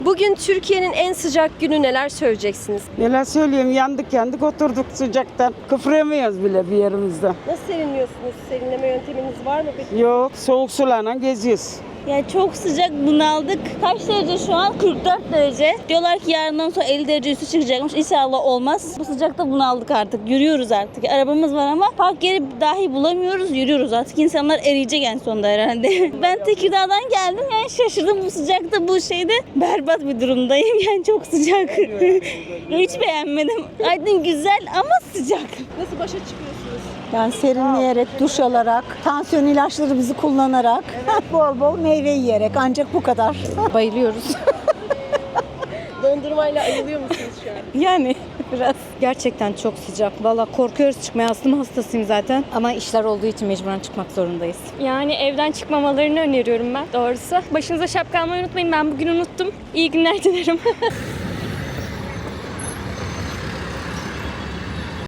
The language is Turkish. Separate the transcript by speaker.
Speaker 1: Bugün Türkiye'nin en sıcak günü, neler söyleyeceksiniz?
Speaker 2: Neler söyleyeyim, yandık oturduk sıcaktan. Kıpırayamıyoruz bile bir yerimizde.
Speaker 1: Nasıl serinliyorsunuz? Serinleme yönteminiz var mı peki?
Speaker 2: Yok, soğuk sularla geziyoruz.
Speaker 3: Yani çok sıcak, bunaldık. Kaç derece şu an? 44 derece. Diyorlar ki yarından sonra 50 derece üstü çıkacakmış. İnşallah olmaz. Bu sıcakta bunaldık artık. Yürüyoruz artık. Arabamız var ama park yeri dahi bulamıyoruz. Yürüyoruz artık. İnsanlar eriyecek en sonunda herhalde. Ben Tekirdağ'dan geldim. Yani şaşırdım bu sıcakta, bu şeyde. Berbat bir durumdayım. Yani çok sıcak. Hiç beğenmedim. Aydın güzel ama sıcak.
Speaker 1: Nasıl başa çıkıyorsunuz?
Speaker 4: Yani serinleyerek, duş alarak, tansiyon ilaçlarımızı kullanarak, bol bol meyve yiyerek, ancak bu kadar.
Speaker 5: Bayılıyoruz.
Speaker 1: Dondurmayla ayılıyor musunuz şu an?
Speaker 5: Yani biraz. Gerçekten çok sıcak. Valla korkuyoruz çıkmaya. Astım hastasıyım zaten. Ama işler olduğu için mecburen çıkmak zorundayız.
Speaker 6: Yani evden çıkmamalarını öneriyorum ben doğrusu. Başınıza şapka almayı unutmayın. Ben bugün unuttum. İyi günler dilerim.